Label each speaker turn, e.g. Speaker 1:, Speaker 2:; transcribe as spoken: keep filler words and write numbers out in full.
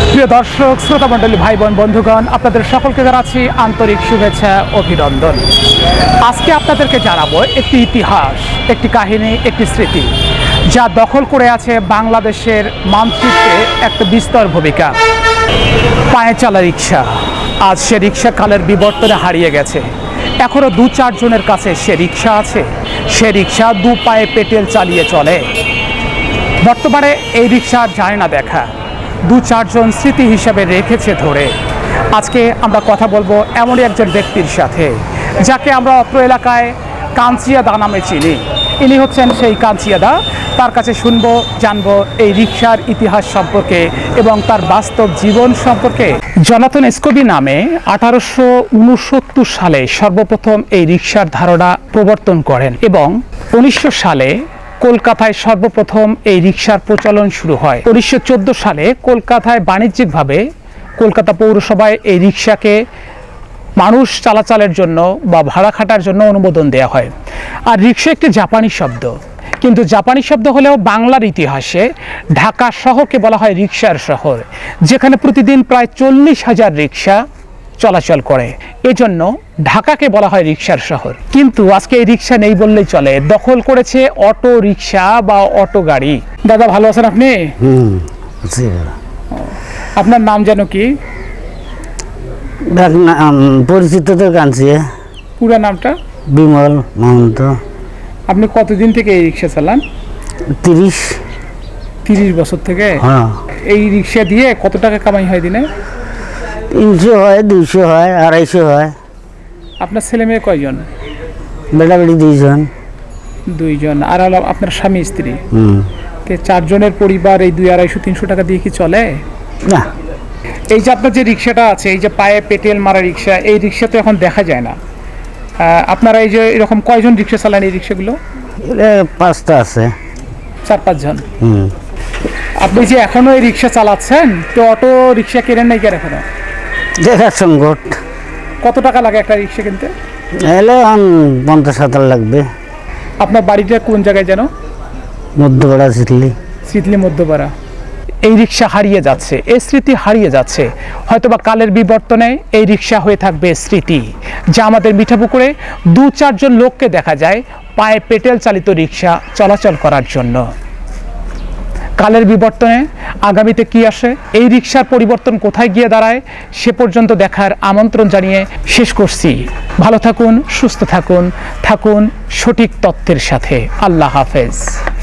Speaker 1: প্রিয় দর্শক, শ্রোতা মণ্ডলী, ভাই বোন, বন্ধুগণ, আপনাদের সকলকে জানাচ্ছি আন্তরিক শুভেচ্ছা, অভিনন্দন। আজকে আপনাদেরকে জানাবো একটি ইতিহাস, একটি কাহিনী, একটি স্মৃতি, যা দখল করে আছে বাংলাদেশের মানচিত্রে একটা বিস্তর ভূমিকা। পায়ে চালা রিক্সা। আজ সে রিক্সা কালের বিবর্তনে হারিয়ে গেছে। এখনও দু চারজনের কাছে সে রিক্সা আছে। সে রিক্সা দু পায়ে পেটেল চালিয়ে চলে। বর্তমানে এই রিক্সা আর যায় না দেখা, দু চারজন স্মৃতি হিসাবে রেখেছে ধরে। আজকে আমরা কথা বলবো এমনই একজন ব্যক্তির সাথে, যাকে আমরা অত্র এলাকায় কাঞ্চিয়াদা নামে চিনি। ইনি হচ্ছেন সেই কাঞ্চিয়াদা। তার কাছে শুনবো, জানবো এই রিক্সার ইতিহাস সম্পর্কে এবং তার বাস্তব জীবন সম্পর্কে। জনাথন স্কবি নামে আঠারোশো উনসত্তর সালে সর্বপ্রথম এই রিক্সার ধারণা প্রবর্তন করেন এবং উনিশশো সালে কলকাতায় সর্বপ্রথম এই রিক্সার প্রচলন শুরু হয়। উনিশশো চোদ্দো সালে কলকাতায় বাণিজ্যিকভাবে কলকাতা পৌরসভায় এই রিক্সাকে মানুষ চলাচলের জন্য বা ভাড়া খাটার জন্য অনুমোদন দেওয়া হয়। আর রিক্সা একটি জাপানি শব্দ, কিন্তু জাপানি শব্দ হলেও বাংলার ইতিহাসে ঢাকা শহরকে বলা হয় রিক্সার শহর, যেখানে প্রতিদিন প্রায় চল্লিশ হাজার রিক্সা চলাচল করে। এজন্য ঢাকাকে বলা হয় রিক্সার শহর। কিন্তু আজকে এই রিক্সা নেই বললেই চলে, দখল করেছে অটো রিক্সা বা অটো গাড়ি। দাদা ভালো আছেন আপনি?
Speaker 2: হুম,
Speaker 1: আপনার নাম যেন কি?
Speaker 2: পরিচিত তো কাঞ্চিয়া।
Speaker 1: পুরো নামটা?
Speaker 2: বিমল মহন্ত।
Speaker 1: আপনি কতদিন থেকে এই রিক্সা চালান?
Speaker 2: তিরিশ
Speaker 1: তিরিশ বছর থেকে?
Speaker 2: হ্যাঁ।
Speaker 1: এই রিক্সা দিয়ে কত টাকা কামাই হয় দিনে?
Speaker 2: তিনশো হয়, দুইশো হয়, আড়াইশো হয়।
Speaker 1: আপনার ছেলে মেয়ে কয়জন?
Speaker 2: বেটা বেটি দুইজন।
Speaker 1: দুইজন। আর হলো আপনার স্বামী স্ত্রী?
Speaker 2: হুম।
Speaker 1: চারজনের পরিবার এই দুই আড়াইশো তিনশো টাকা দিয়ে কি চলে?
Speaker 2: না।
Speaker 1: এই যে আপনার যে রিক্সাটা আছে, এই যে পায়ে পেটেল মারা রিক্সা, এই রিক্সা তো এখন দেখা যায় না। আপনারা এই যে এরকম কয়জন রিক্সা চালান এই রিক্সাগুলো?
Speaker 2: পাঁচটা আছে।
Speaker 1: চার পাঁচজন।
Speaker 2: হুম।
Speaker 1: আপনি যে এখনো এই রিক্সা চালাচ্ছেন, তো অটো রিক্সা কেনেন নাই কেন এখনো?
Speaker 2: দেখার সংকট।
Speaker 1: কত টাকা লাগে একটা রিক্সা কিনতে?
Speaker 2: এলে পঞ্চাশ হাজার লাগবে।
Speaker 1: আপনার বাড়িটা কোন জায়গায় যেন?
Speaker 2: মধ্যপাড়া সিটলি।
Speaker 1: সিটলি মধ্যপাড়া। এই রিক্সা হারিয়ে যাচ্ছে, এই স্মৃতি হারিয়ে যাচ্ছে। হয়তোবা কালের বিবর্তনে এই রিক্সা হয়ে থাকবে স্মৃতি, যা আমাদের মিঠাপুকুরে দু চারজন লোককে দেখা যায় পায়ে পেটেল চালিত রিক্সা চলাচল করার জন্য। কালের বিবর্তনে আগামীতে কি আসে, এই রিক্সার পরিবর্তন কোথায় গিয়ে দাঁড়ায়, সে পর্যন্ত দেখার আমন্ত্রণ জানিয়ে শেষ করছি। ভালো থাকুন, সুস্থ থাকুন, থাকুন সঠিক তথ্যের সাথে। আল্লাহ হাফেজ।